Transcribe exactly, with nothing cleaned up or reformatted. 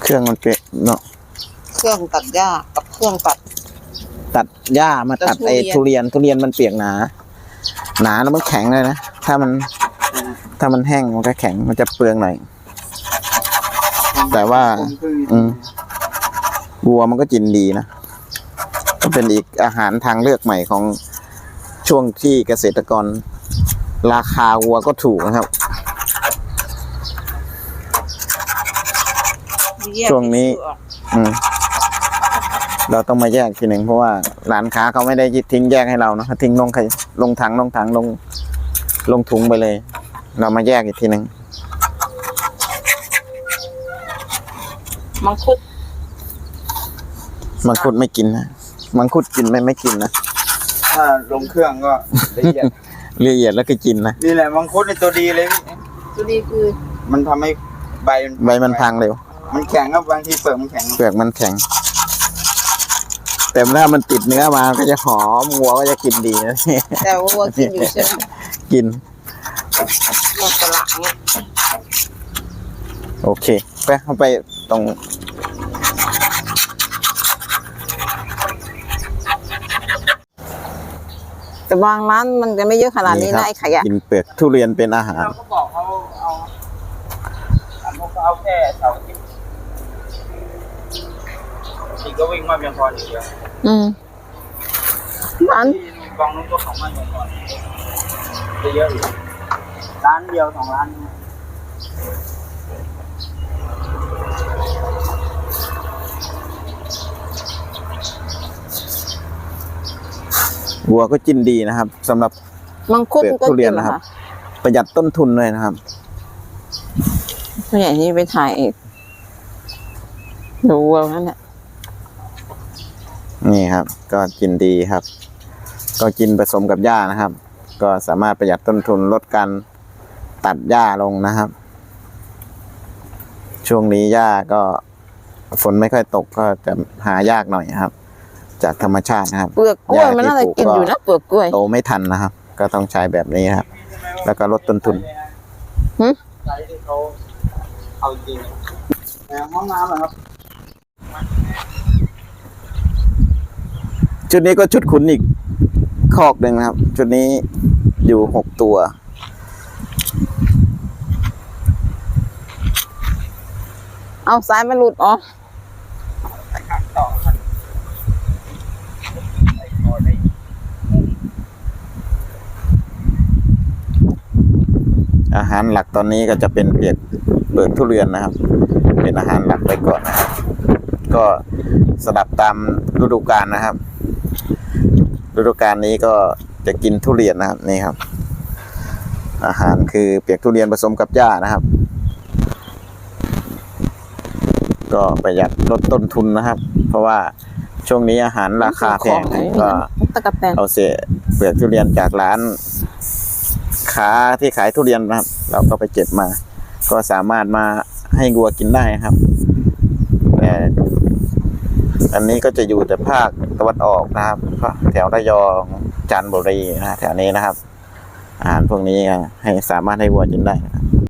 เครื่องมันเปะเนาะเครื่องตัดหญ้ากับเครื่องตัดตัดหญ้ามาตัดไอ้ทุเรียนทุเรียนมันเปียกหนาหนาแล้วมันแข็งเลยนะถ้ามันถ้ามันแห้งมันก็แข็งมันจะเปลืองหน่อยแต่ว่าอืมวัวมันก็กินดีนะก็เป็นอีกอาหารทางเลือกใหม่ของช่วงที่เกษตรกรราคาวัวก็ถูกนะครับช่วงนี้อืมเราต้องมาแยกทีหนึ่งเพราะว่าร้านค้าเขาไม่ได้ทิ้งแยกให้เรานะเขาทิ้งลงใครลงถังลงถังลงลงถุงไปเลยเรามาแยกอีกทีหนึ่งมังคุดมังคุดไม่กินนะมังคุดกินไม่ไม่กินนะถ้าลงเครื่องก็ละเอียดละเอียดแล้วก็กินนะนี่แหละมังคุดในตัวดีเลยตัวดีคือมันทำให้ใบใบมันพังเร็วมันแข็งครับบางทีเปลือกมันแข็งเปลือกมันแข็งแต่ถ้ามันติดเนื้อมาก็จะหอมวัวก็จะกินดีนะแต่วัวกินอยู่ใช่ไหมกินวัวกระหลังโอเคไปเข้าไปตรงแต่บางร้านมันจะไม่เยอะขนาดนี้นะไอ้ขยะกินเปลือกทุเรียนเป็นอาหารเราก็บอกเขาเอาเขาเอาแค่เสาร์อาทิตย์อีกก็วิ่งมาเพียงพออย่างเดียวอืมร้านกองนู้นก็ของมันเพียงพอจะเยอะอยู่ร้านเดียวสองร้านวัวก็กินดีนะครับสำหรับมังคุดทุเรียนนะครับประหยัดต้นทุนเลยนะครับตัวใหญ่นี่ไปถ่ายเองดูวัวนั่นแหละนี่ครับก็กินดีครับก็กินผสมกับหญ้านะครับก็สามารถประหยัดต้นทุนลดการตัดหญ้าลงนะครับช่วงนี้หญ้าก็ฝนไม่ค่อยตกก็จะหายากหน่อยครับจากธรรมชาตินะครับเปลือกกล้วยมันน่าจะกินอยู่นะเปลือกกล้วยโตไม่ทันนะครับก็ต้องใช้แบบนี้ครับแล้วก็ลดต้นทุนหืมใช้ที่เขาเอาจริงห้องน้ำเหรอครับชุดนี้ก็ชุดขุนอีกคอกหนึ่งนะครับชุดนี้อยู่หกตัวเอาสายมันหลุดอ๋ออาหารหลักตอนนี้ก็จะเป็นเปียกเปลือกทุเรียนนะครับเป็นอาหารหลักไปก่อนนะครับก็สลับตามฤดูกาลนะครับฤดูกาลนี้ก็จะกินทุเรียนนะครับนี่ครับอาหารคือเปียกทุเรียนผสมกับหญ้านะครับก็ประหยัดลดต้นทุนนะครับเพราะว่าช่วงนี้อาหารราคาแพงก็เอาเศษเปลือกทุเรียนจากร้านค้าที่ขายทุเรียนนะครับเราก็ไปเก็บมาก็สามารถมาให้วัวกินได้ครับแต่อันนี้ก็จะอยู่แต่ภาคตะวันออกนะครับแถวระยองจันทบุรีนะแถวนี้นะครับอาหารพวกนี้ให้สามารถให้วัวกินได้